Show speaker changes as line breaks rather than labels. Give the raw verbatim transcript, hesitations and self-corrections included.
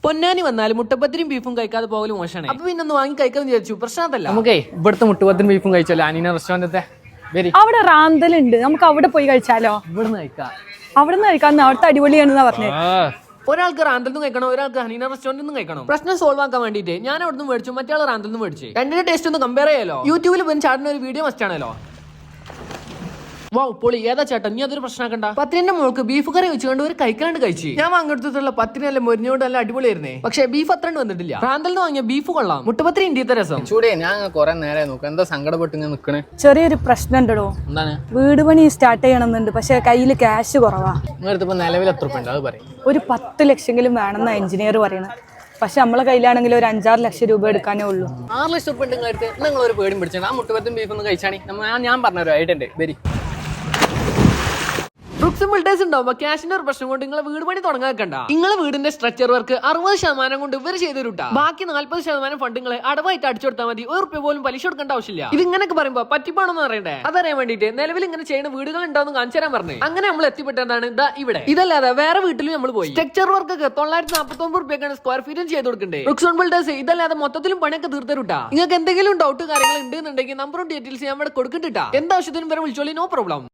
പൊന്നാനി വന്നാൽ മുട്ടപ്പത്തിരിയും ബീഫും കഴിക്കാതെ പോകലും മോശമാണ്. അപ്പൊ പിന്നെ ഒന്ന് വാങ്ങി കഴിക്കാന്ന് വിചാരിച്ചു. പ്രശ്നം അതല്ല.
നമുക്കേ ഇവിടുത്തെ മുട്ടപ്പത്തിരിയും ബീഫും കഴിച്ചല്ലോ അനീന റെസ്റ്റോറന്റത്തെ.
അവിടെ റാന്തലുണ്ട്, നമുക്ക് അവിടെ പോയി കഴിച്ചാലോ?
ഇവിടുന്ന് കഴിക്കാം.
അവിടെ നിന്ന് കഴിക്കാൻ അവിടുത്തെ അടിപൊളിയാണെന്നാ പറഞ്ഞത്.
ഒരാൾക്ക് റാന്തൽ നിന്ന് കഴിക്കണം, ഒരാൾക്ക് ഹനീന റെസ്റ്റോറന്റിൽ നിന്ന് കഴിക്കണം. പ്രശ്നം സോൾവ് ആക്കാൻ വേണ്ടിയിട്ട് ഞാൻ അവിടെ നിന്ന് മേടിച്ചു, മറ്റേ ആൾ റാന്തൽ നിന്ന് മേടിച്ചു. രണ്ടിന്റെ ടേസ്റ്റ് ഒന്ന് കമ്പയർ ചെയ്യാലോ. യൂട്യൂബിൽ പോയി ചാടുന്ന ഒരു വീഡിയോ മസ്റ്റ് ആണല്ലോ. വാ പൊളി, ഏതാ ചേട്ടൻ നീ അതൊരു പ്രശ്നമാക്കണ്ട. പത്തിരിന്റെ മോൾക്ക് ബീഫ് കറി വെച്ചുകൊണ്ട് ഒരു കഴിക്കാണ്ട് കഴിച്ചു. ഞാൻ വാങ്ങിയെടുത്തിട്ടുള്ള പത്തിനല്ല മൊരിഞ്ഞോണ്ട് നല്ല അടിപൊളിയായിരുന്നേ. പക്ഷേ ബീഫ് അത്രണ്ട് വന്നിട്ടില്ല. റാന്തൽ നിന്ന് വാങ്ങിയ ബീഫ് കൊള്ളാം, മുട്ടപ്പത്തിരി ഇന്ത്യത്തെ രസം.
ചൂടേ ഞാൻ കുറെ നേരെ നോക്കാം, എന്താ സങ്കടപ്പെട്ട് ഇങ്ങനെ നിക്കണേ.
ചെറിയൊരു പ്രശ്നം ഉണ്ടോ?
എന്താണ്?
വീട് പണി സ്റ്റാർട്ട് ചെയ്യണമെന്നുണ്ട്, പക്ഷെ കയ്യിൽ ക്യാഷ് കുറവാ.
നിങ്ങളിപ്പോ നിലവിൽ എത്ര രൂപ ഉണ്ട് അത് പറയും?
ഒരു പത്ത് ലക്ഷമെങ്കിലും വേണമെന്നാ എഞ്ചിനീയർ പറയണത്. പക്ഷെ നമ്മളെ കയ്യിലാണെങ്കിൽ ഒരു അഞ്ചാറ് ലക്ഷം രൂപ എടുക്കാനേ ഉള്ളൂ.
ആറ് ലക്ഷം രൂപ ഉണ്ട് നിങ്ങളടുത്ത്. നിങ്ങൾ ഒരു പേടിയും പിടിച്ചാൽ ആ മുട്ടപ്പത്തും ബീഫ് ഒന്ന് കഴിച്ചാണി. ഞാൻ പറഞ്ഞൊരു ആയിട്ടുണ്ട് വരി.
ഫ്ലെക്സിബിലിറ്റീസ് ഉണ്ടാവുമ്പോ ക്യാഷിന്റെ ഒരു പ്രശ്നം കൊണ്ട് നിങ്ങളെ വീട് പണി തുടങ്ങാൻ വെക്കണ്ട. നിങ്ങളെ വീടിന്റെ സ്ട്രക്ചർ വർക്ക് അറുപത് ശതമാനം കൊണ്ട് ഇവർ ചെയ്തൊരുട്ടാ. ബാക്കി നാല്പത് ശതമാനം ഫണ്ടുകളെ അടവായിട്ട് അടിച്ചു കൊടുത്താൽ മതി. ഒരു റുപ്യ പോലും പലിശ കൊടുക്കേണ്ട ആവശ്യമില്ല. ഇത് ഇങ്ങനെയൊക്കെ പറയുമ്പോ പറ്റിപ്പാണെന്ന് അറിയണ്ടേ? അതറിയാൻ വേണ്ടിയിട്ട് നിലവിൽ ഇങ്ങനെ ചെയ്യുന്ന വീടുകൾ ഉണ്ടാവും കാണിച്ചു തരാൻ പറഞ്ഞു. അങ്ങനെ നമ്മൾ എത്തിപ്പെട്ടതാണ് ഇതാ ഇവിടെ. ഇതല്ലാതെ വേറെ വീട്ടിലും നമ്മൾ പോയി. സ്ട്രക്ചർ വർക്ക് ഒക്കെ തൊള്ളായിരത്തി നാൽപ്പത്തി ഒമ്പത് റുപ്യക്കാണ് സ്ക്വയർ ഫീറ്റും ചെയ്ത് കൊടുക്കണ്ടേ. ഫ്ലെക്സിബിൾ ബിൽഡേഴ്സ് ഇതല്ലാതെ മൊത്തത്തിലും പണിയൊക്കെ തീർത്തരുട്ടാ. നിങ്ങൾക്ക് എന്തെങ്കിലും ഡൗട്ട് കാര്യങ്ങൾ ഉണ്ടെന്നുണ്ടെങ്കിൽ നമ്പറും ഡീറ്റെയിൽസ് ഞാൻ ഇവിടെ കൊടുക്കണ്ടിട്ടാ. എന്താവശ്യത്തിനും വരെ വിളിച്ചോളി, നോ പ്രോബ്ലം.